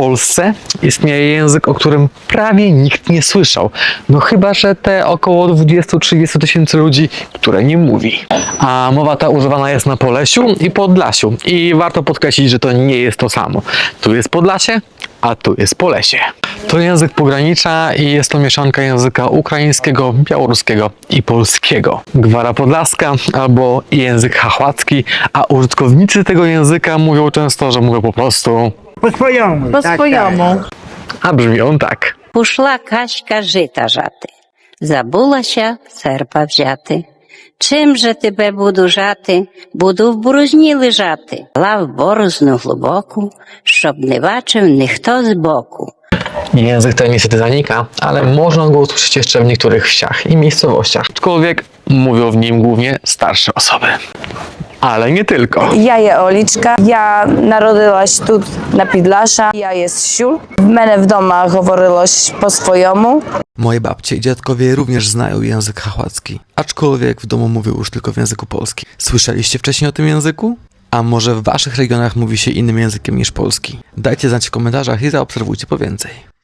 Polsce istnieje język, o którym prawie nikt nie słyszał. No chyba, że te około 20-30 tysięcy ludzi, które nie mówi. A mowa ta używana jest na Polesiu i Podlasiu. I warto podkreślić, że to nie jest to samo. Tu jest Podlasie, a tu jest Polesie. To język pogranicza i jest to mieszanka języka ukraińskiego, białoruskiego i polskiego. Gwara podlaska albo język chachłacki, a użytkownicy tego języka mówią często, że mówią po prostu По-своєму. По-своєму. a brzmi on так. Пішла качка жита жати, забулася серпа взяти. Чим же тебе буду жати, буду в борозні лежати, лав борозну глибоку, щоб не бачив ніхто збоку. Język ten niestety zanika, ale można go usłyszeć jeszcze w niektórych wsiach i miejscowościach. Aczkolwiek mówią w nim głównie starsze osoby. Ale nie tylko. Я є Олічка, я народилась тут на Підлаша, я є з Сюл. В мене вдома говорилось по-своєму. Moje babcie i dziadkowie również znają język chachłacki, aczkolwiek w domu mówią już tylko w języku polskim. Słyszeliście wcześniej o tym języku? A może w waszych regionach mówi się innym językiem niż polski? Dajcie znać w komentarzach i zaobserwujcie po więcej.